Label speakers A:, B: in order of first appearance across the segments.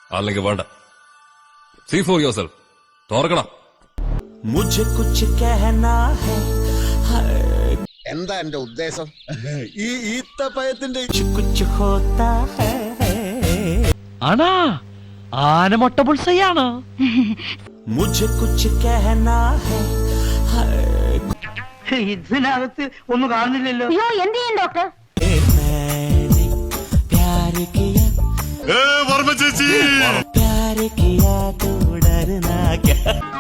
A: അല്ലെങ്കിൽ വേണ്ട. See for yourself. തോർക്കണം.
B: മുझे कुछ कहना है.
C: എന്താ എന്റെ ഉദ്ദേശം? ഈ ഈത്തപ്പഴത്തിന്റെ
B: कुछ होता है.
D: ആണാ ആനമൊട്ട പുൾസയാണ്.
B: मुझे कुछ कहना है.
D: ഇതിനകത്ത് ഒന്നും കാണുന്നില്ലല്ലോ.
E: അയ്യോ എന്ത് ചെയ്യും ഡോക്ടർ?
B: मैंने प्यार किया.
A: വർമ്മ ചേച്ചി.
B: प्यार किया तो डरना क्या.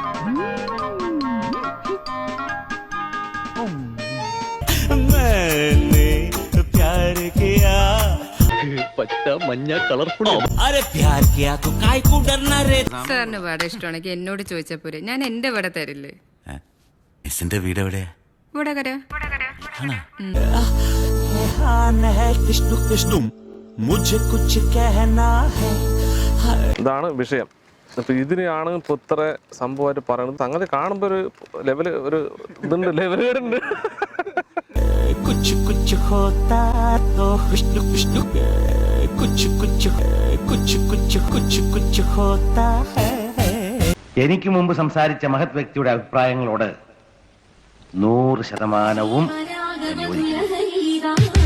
B: मैंने प्यार किया.
D: പച്ച മഞ്ഞ കളർഫുൾ.
B: अरे प्यार किया तो काय को डरना रे.
F: സാറിന് വട ഇഷ്ടമാണെങ്കിൽ എന്നോട് ചോദിച്ചാ പോരെ, ഞാൻ എന്റെ വട തരില്ലേ.
B: എന്റെ വീട് എവിടെയാ?
F: വടകര.
B: कृष्ण कृष्ण मुझे कुछ कहना है.
G: ഇതാണ് വിഷയം. അപ്പൊ ഇതിനെയാണ് ഇപ്പൊ ഇത്ര സംഭവമായിട്ട് പറയുന്നത്. സംഗതി കാണുമ്പോ ഒരു ലെവല് ഒരു ഇതുണ്ട്, ലെവലുണ്ട്.
B: कुछ कुछ होता तो कृष्ण कृष्ण कुछ कुछ कुछ कुछ कुछ कुछ होता है.
H: എനിക്ക് മുമ്പ് സംസാരിച്ച മഹത് വ്യക്തിയുടെ അഭിപ്രായങ്ങളോട് 100% യോജിക്കുന്നു.